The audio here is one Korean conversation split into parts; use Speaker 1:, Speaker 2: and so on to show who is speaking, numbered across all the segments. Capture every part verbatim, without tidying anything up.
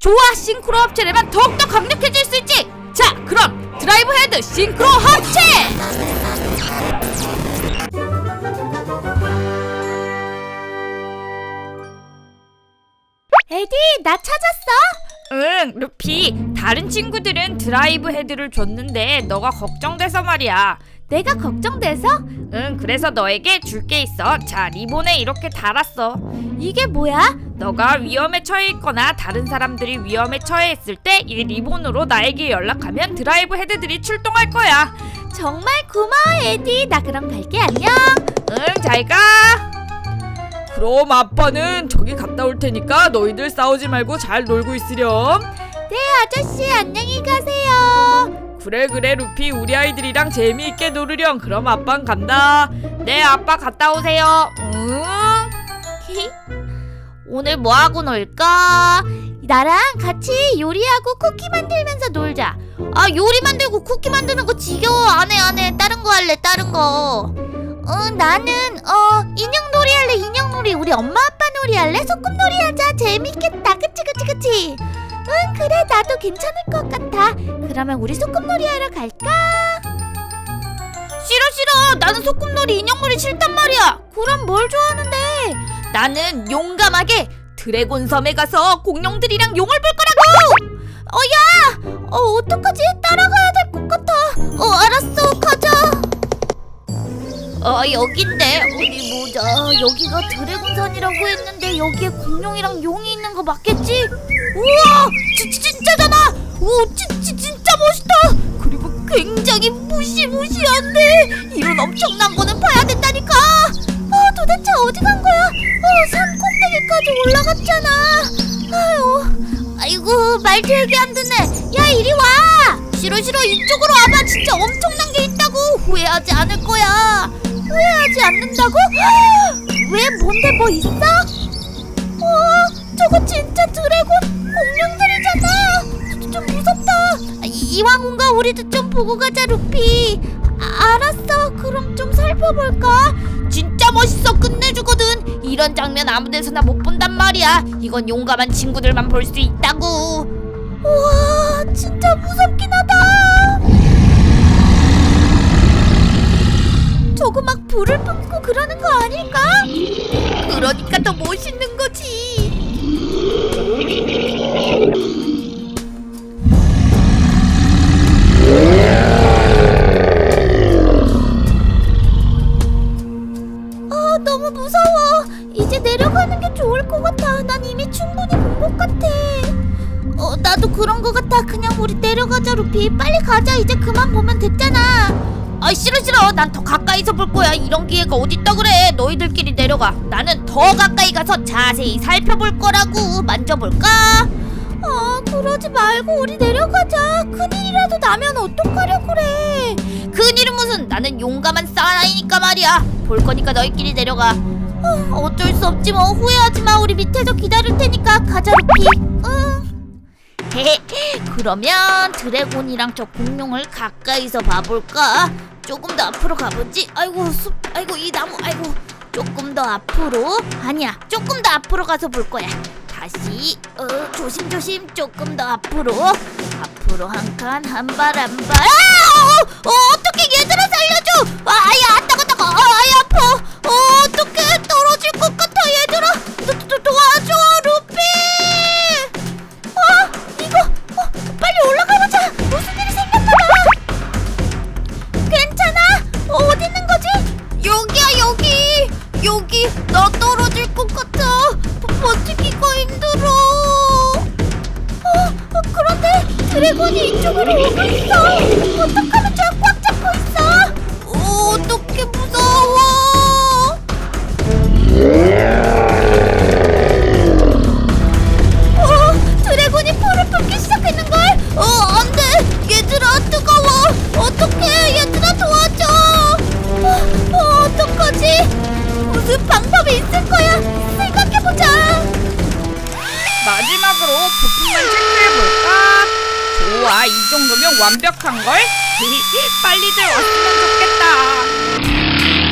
Speaker 1: 좋아, 싱크로 합체라면 더욱더 강력해질 수 있지. 자, 그럼 드라이브 헤드 싱크로 합체!
Speaker 2: 에디, 나 찾았어?
Speaker 1: 응, 루피. 다른 친구들은 드라이브 헤드를 줬는데 너가 걱정돼서 말이야.
Speaker 2: 내가 걱정돼서?
Speaker 1: 응, 그래서 너에게 줄 게 있어. 자, 리본에 이렇게 달았어.
Speaker 2: 이게 뭐야?
Speaker 1: 너가 위험에 처해 있거나 다른 사람들이 위험에 처해 있을 때 이 리본으로 나에게 연락하면 드라이브 헤드들이 출동할 거야.
Speaker 2: 정말 고마워, 에디. 나 그럼 갈게. 안녕.
Speaker 1: 응, 잘 가. 그럼 아빠는 저기 갔다 올 테니까 너희들 싸우지 말고 잘 놀고 있으렴.
Speaker 2: 네, 아저씨. 안녕히 가세요.
Speaker 1: 그래 그래 루피, 우리 아이들이랑 재미있게 놀으렴. 그럼 아빠는 간다. 네, 아빠 갔다 오세요. 응?
Speaker 2: 오늘 뭐하고 놀까? 나랑 같이 요리하고 쿠키 만들면서 놀자. 아, 요리 만들고 쿠키 만드는 거 지겨워. 안해 안해. 다른 거 할래. 다른 거. 어, 나는 어 인형놀이 할래. 인형놀이. 우리 엄마 아빠 놀이 할래. 소꿉놀이 하자. 재밌겠다. 그치 그치 그치. 응, 그래. 나도 괜찮을 것 같아. 그러면 우리 소꿉놀이 하러 갈까?
Speaker 1: 싫어 싫어. 나는 소꿉놀이 인형놀이 싫단 말이야.
Speaker 2: 그럼 뭘 좋아하는데?
Speaker 1: 나는 용감하게 드래곤 섬에 가서 공룡들이랑 용을 볼 거라고.
Speaker 2: 어, 야! 어, 어떡하지? 따라가야 될 것 같아. 어, 알았어. 가자. 어, 여긴데. 어디 보자. 여기가 드래곤산이라고 했는데 여기에 공룡이랑 용이 있는 거 맞겠지? 우와! 지, 진짜잖아! 오, 지, 지, 진짜 멋있다! 그리고 굉장히 무시무시한데 이런 엄청난 거는 봐야 된다니까! 아, 도대체 어디 간 거야? 어, 산 꼭대기까지 올라갔잖아. 아유, 아이고, 말도 얘기 안 듣네. 야, 이리 와! 싫어 싫어, 이쪽으로 와봐. 진짜 엄청난 게 있다고. 후회하지 않을 거야. 후회하지 않는다고? 왜, 뭔데, 뭐 있어? 어, 저거 진짜 드래곤 공룡들이잖아. 좀, 좀 무섭다. 이, 이왕 온 거 우리도 좀 보고 가자, 루피. 아, 알았어. 그럼 좀 살펴볼까?
Speaker 1: 진짜 멋있어. 끝내주거든. 이런 장면 아무 데서나 못 본단 말이야. 이건 용감한 친구들만 볼 수 있다고.
Speaker 2: 우와, 진짜 무섭긴 하다. 저거 막 불을 뿜고 그러는 거 아닐까?
Speaker 1: 그러니까 더 멋있는 거지.
Speaker 2: 아, 너무 무서워. 이제 내려가는 게 좋을 것 같아. 난 이미 충분히 본 것 같아. 어, 나도 그런 것 같아. 그냥 우리 내려가자, 루피. 빨리 가자. 이제 그만 보면 됐잖아.
Speaker 1: 아, 싫어 싫어. 난 더 가까이서 볼 거야. 이런 기회가 어딨다 그래. 너희들끼리 내려가. 나는 더 가까이 가서 자세히 살펴볼 거라고. 만져볼까?
Speaker 2: 아, 그러지 말고 우리 내려가자. 큰일이라도 나면 어떡하려 그래.
Speaker 1: 큰일은 무슨. 나는 용감한 사나이니까 말이야. 볼 거니까 너희끼리 내려가.
Speaker 2: 어, 어쩔 수 없지 뭐. 후회하지 마. 우리 밑에서 기다릴 테니까 가자, 루피. 응.
Speaker 1: 헤헤. 그러면 드래곤이랑 저 공룡을 가까이서 봐볼까? 조금 더 앞으로 가보지. 아이고 숲, 아이고 이 나무, 아이고. 조금 더 앞으로. 아니야, 조금 더 앞으로 가서 볼 거야. 다시 어, 조심조심. 조금 더 앞으로. 앞으로 한 칸, 한 발 한 발. 아! 어, 어, 어떡해. 얘들아 살려줘. 아, 아야, 안 따가 따가. 아, 아야, 아파. 어, 어떡해. 떨어질 것 같아. 얘들아 도, 도, 도와줘, 루피.
Speaker 2: 어, 이거 어, 빨리 올라가보자. 무슨 일이 생겼나봐. 괜찮아? 어, 어디 있는 거지?
Speaker 1: 여기야, 여기. 여기. 나 떨어질 것 같아. 버, 버티기가 힘들어.
Speaker 2: 어, 어, 그런데 드래곤이 이쪽으로 오고 있어. 어떡하면 좋아. 꽉 잡고 있어.
Speaker 1: 어, 어떡해. 무서워.
Speaker 2: 어, 드래곤이 불을 뿜기 시작했는걸.
Speaker 1: 어, 안 돼. 얘들아, 뜨거워. 어떡해. 얘들아, 도와줘.
Speaker 2: 어, 어, 어떡하지? 무슨 방법이 있을 거야. 생각해보자.
Speaker 1: 마지막으로 부품만 체크해볼까? 좋아, 이 정도면 완벽한걸? 빨리들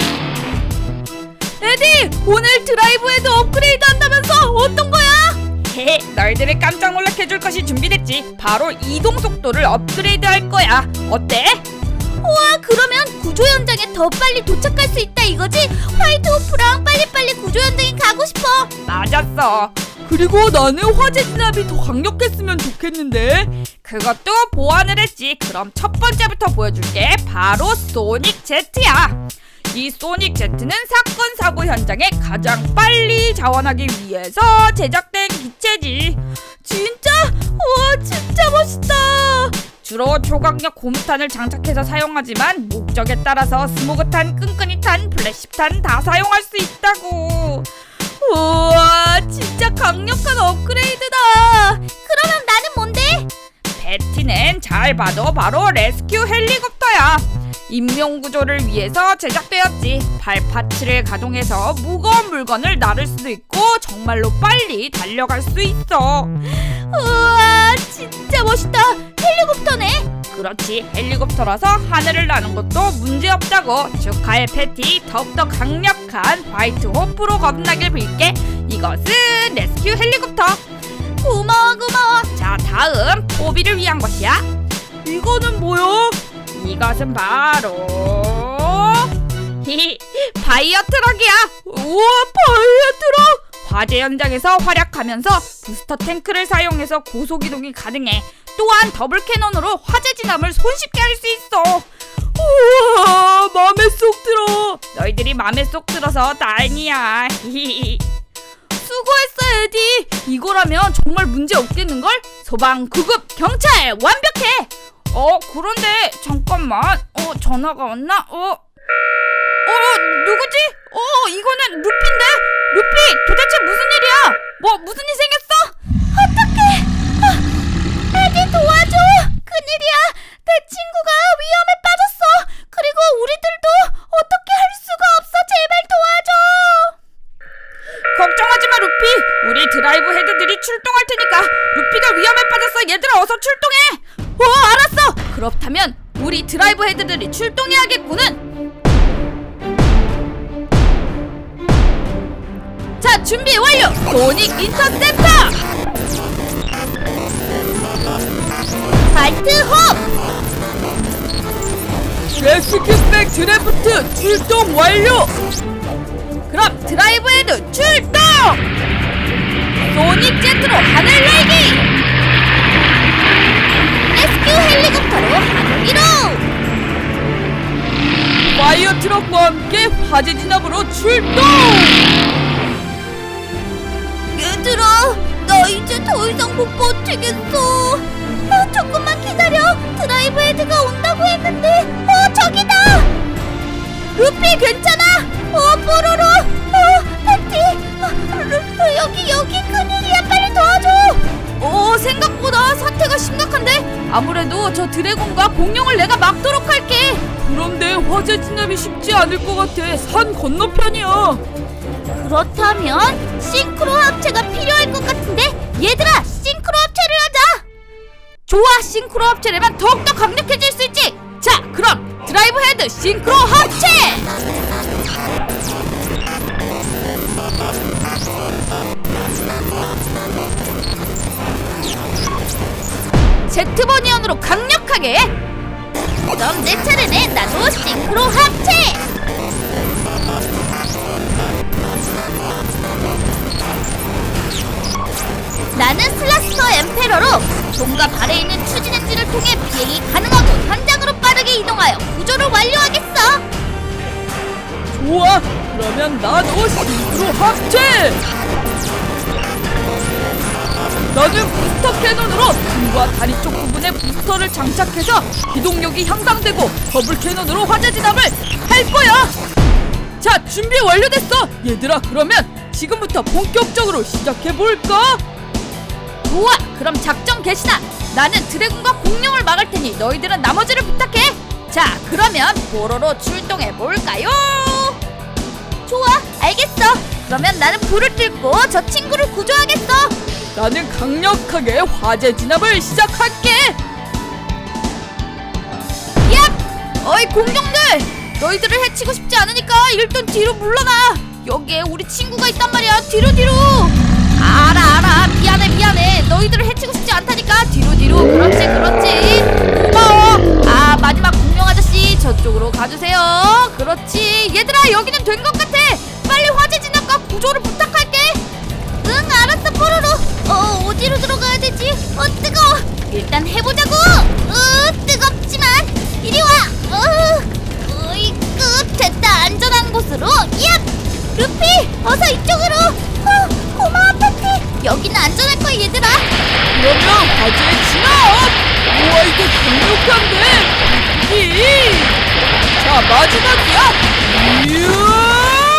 Speaker 1: 왔으면 좋겠다. 에디! 오늘 드라이브 헤드 업그레이드 한다면서 어떤 거야?
Speaker 3: 너희들을 깜짝 놀라게 해줄 것이 준비됐지. 바로 이동 속도를 업그레이드 할 거야. 어때?
Speaker 2: 우와, 그러면 구조 현장에 더 빨리 도착할 수 있다 이거지? 화이트 호프랑 빨리빨리 구조 현장에 가고 싶어.
Speaker 3: 맞았어.
Speaker 4: 그리고 나는 화재 진압이 더 강력했으면 좋겠는데.
Speaker 3: 그것도 보완을 했지. 그럼 첫 번째부터 보여줄게. 바로 소닉 제트야. 이 소닉 제트는 사건 사고 현장에 가장 빨리 자원하기 위해서 제작된 기체지.
Speaker 2: 진짜? 우와, 진짜 멋있다.
Speaker 3: 주로 초강력 고무탄을 장착해서 사용하지만 목적에 따라서 스모그탄, 끈끈이탄, 플래시탄 다 사용할 수 있다고.
Speaker 2: 우와, 진짜 강력한 업그레이드다. 그러면 나는 뭔데?
Speaker 3: 베티는 잘 봐도 바로 레스큐 헬리콥터야. 인명구조를 위해서 제작되었지. 발파츠를 가동해서 무거운 물건을 나를 수도 있고 정말로 빨리 달려갈 수 있어.
Speaker 2: 우와, 진짜 멋있다. 헬리콥터네.
Speaker 3: 그렇지, 헬리콥터라서 하늘을 나는 것도 문제없다고. 축하해 패티. 더욱더 강력한 화이트 호프로 거듭나길 빌게. 이것은 레스큐 헬리콥터.
Speaker 2: 고마워 고마워.
Speaker 3: 자, 다음 포비를 위한 것이야.
Speaker 4: 이거는 뭐야?
Speaker 3: 이것은 바로 히히 바이어 트럭이야.
Speaker 4: 우와, 바이오 트럭!
Speaker 3: 화재 현장에서 활약하면서 부스터 탱크를 사용해서 고속 이동이 가능해. 또한 더블 캐논으로 화재 진압을 손쉽게 할 수 있어.
Speaker 4: 우와, 맘에 쏙 들어.
Speaker 3: 너희들이 맘에 쏙 들어서 다행이야. 히히.
Speaker 2: 수고했어 에디.
Speaker 3: 이거라면 정말 문제 없겠는걸? 소방, 구급, 경찰 완벽해. 어, 그런데 잠깐만. 어, 전화가 왔나? 어, 어, 누구지? 어, 이거는 루피인데? 루피, 도대체 무슨 일이야? 뭐 무슨 일 생겼어?
Speaker 2: 어떡해. 아, 에디 도와줘. 큰일이야. 내 친구가 위험에 빠졌어. 그리고 우리들도 어떻게 할 수가 없어. 제발 도와줘.
Speaker 3: 걱정하지 마, 루피. 우리 드라이브 헤드들이 출동할 테니까. 루피가 위험에 빠졌어. 얘들아, 어서 출동해.
Speaker 2: 어, 알았어.
Speaker 3: 그렇다면 우리 드라이브 헤드들이 출동해야겠구는. 자, 준비 완료. 소닉 인터셉터.
Speaker 2: 화이트 홉.
Speaker 4: 레스큐백 드래프트 출동 완료.
Speaker 3: 그럼 드라이브 헤드 출동. 소닉 제트로 하늘 날기.
Speaker 2: 레스큐 헬리콥터로 하늘 이동.
Speaker 4: 파이어 트럭과 함께 화재 진압으로 출동.
Speaker 2: 얘들아, 나 이제 더 이상 못 버티겠어. 어, 조금만 기다려. 드라이브 헤드가 온다고 했는데. 어, 저기다. 루피 괜찮아? 어, 뽀로로. 어, 패티. 어, 루, 여기 여기 큰일이야. 빨리 도와줘.
Speaker 3: 오, 생각보다 사태가 심각한데? 아무래도 저 드래곤과 공룡을 내가 막도록 할게.
Speaker 4: 그런데 화재 진압이 쉽지 않을 것 같아. 산 건너편이야.
Speaker 2: 그렇다면 싱크로 합체가 필요할 것 같은데. 얘들아, 싱크로 합체를 하자.
Speaker 3: 좋아, 싱크로 합체라면 더욱더 강력해질 수 있지. 자, 그럼 드라이브 헤드 싱크로 합체. 제트버니언으로 강력하게.
Speaker 2: 그럼 내 차례네. 나도 싱크로 합체. 나는 슬라스터 엠페러로 손과 발에 있는 추진 엔진을 통해 비행이 가능하고 현장으로 빠르게 이동하여 구조를 완료하겠어.
Speaker 4: 좋아, 그러면 나도 싱크로 합체. 나는 부스터 캐논으로 등과 다리 쪽 부분에 부스터를 장착해서 기동력이 향상되고 더블 캐논으로 화재 진압을 할 거야. 자, 준비 완료됐어. 얘들아, 그러면 지금부터 본격적으로 시작해볼까?
Speaker 3: 좋아, 그럼 작전 개시다. 나는 드래곤과 공룡을 막을 테니 너희들은 나머지를 부탁해. 자, 그러면 보로로 출동해볼까요?
Speaker 2: 좋아, 알겠어. 그러면 나는 불을 뚫고 저 친구를 구조하겠어.
Speaker 4: 나는 강력하게 화재 진압을 시작할게.
Speaker 3: 얍! 어이 공룡들! 너희들을 해치고 싶지 않으니까 일단 뒤로 물러나. 여기에 우리 친구가 있단 말이야. 뒤로 뒤로. 알아 알아 미안해 미안해 너희들을 해치고 싶지 않다니까. 뒤로 뒤로. 그렇지 그렇지. 고마워. 아 마지막 공룡 아저씨 저쪽으로 가주세요. 그렇지. 얘들아 여기는 된 것 같아. 빨리 화재 진압과 구조를 부탁할게.
Speaker 2: 응 알았어 뽀로로. 어 어디로 들어가야 되지? 어 뜨거워. 일단 해보자고. 으 뜨겁지만 이리 와. 어 으이끄 됐다. 안전한 곳으로. 얍 루피 어서 이쪽으로. 어 고마워 패티. 여기는 안전할 거야 얘들아.
Speaker 4: 그러면 화재 진압. 우와 이거 강력한데. 이. 자 마지막이야. 이야.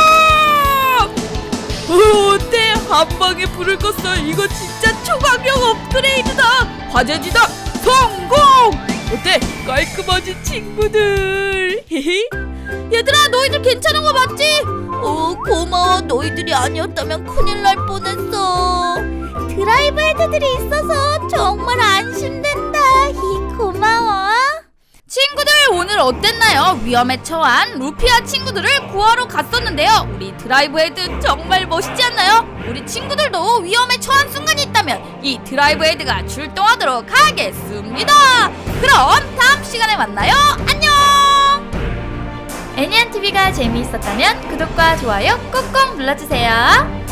Speaker 4: 어, 어때? 한 방에 불을 껐어. 이거 진짜 초강력 업그레이드다. 화재 진압 성공. 어때? 깔끔하지 친구들. 히히.
Speaker 2: 얘들아 너희들 괜찮은 거 맞지? 어 고마워. 너희들이 아니었다면 큰일 날 뻔했어. 드라이브 헤드들이 있어서 정말 안심된다. 히 고마워.
Speaker 3: 친구들 오늘 어땠나요? 위험에 처한 루피와 친구들을 구하러 갔었는데요. 우리 드라이브 헤드 정말 멋있지 않나요? 우리 친구들도 위험에 처한 순간이 있다면 이 드라이브 헤드가 출동하도록 하겠습니다. 그럼 다음 시간에 만나요. 안녕. 애니안티비가 재미있었다면 구독과 좋아요 꾹꾹 눌러주세요.